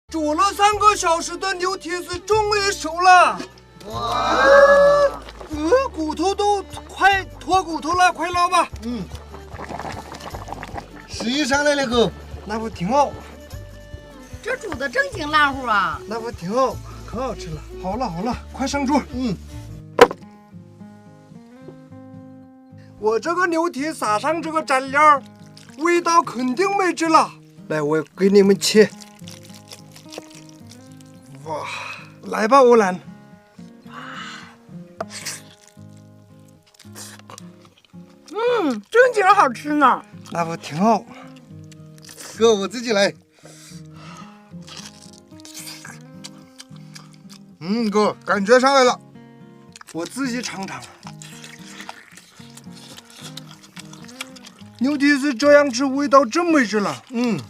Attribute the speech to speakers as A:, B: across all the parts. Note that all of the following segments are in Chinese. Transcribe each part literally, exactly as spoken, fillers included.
A: 煮了三个小时的牛蹄子终于熟了，哇！呃，骨头都快脱骨头了，快捞吧。
B: 嗯，食欲上来了哥，
A: 那不挺好？
C: 这煮的正经烂乎啊！
A: 那不挺好，可好吃了。好了好了，快上桌。
B: 嗯，
A: 我这个牛蹄撒上这个蘸料，味道肯定没治了。来，我给你们切。哇，来吧，欧兰。
C: 嗯，正经好吃呢。
A: 那不挺好？
B: 哥，我自己来。嗯，哥，感觉上来了。
A: 我自己尝尝。牛蹄子这样吃，味道真没治了。
B: 嗯。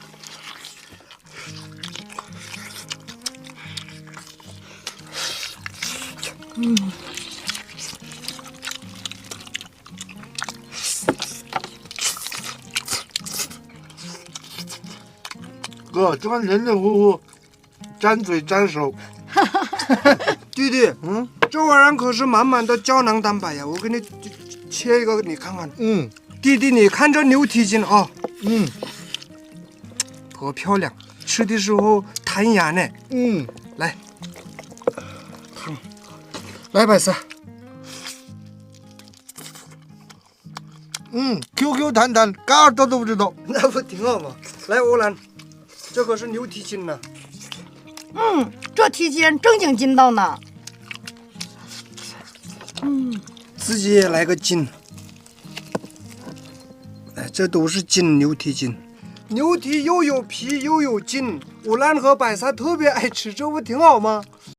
C: 嗯。
B: 哥，这么黏黏糊糊，粘嘴粘手。
A: 弟弟，嗯，这玩意儿可是满满的胶囊蛋白呀！我给你切一个，你看看。
B: 嗯。
A: 弟弟，你看这牛蹄筋啊，
B: 嗯，
A: 多漂亮，吃的时候弹牙呢。
B: 嗯，
A: 来，烫，来白色。
B: 嗯 ，Q Q 弹弹，嘎耳朵都不知道。
A: 那不挺好吗？来，欧兰，这可是牛蹄筋呢。
C: 嗯，这蹄筋正经筋道呢。
A: 嗯，自己也来个筋。哎，这都是筋，牛蹄筋。牛蹄又有皮又有筋，欧兰和白沙特别爱吃，这不挺好吗？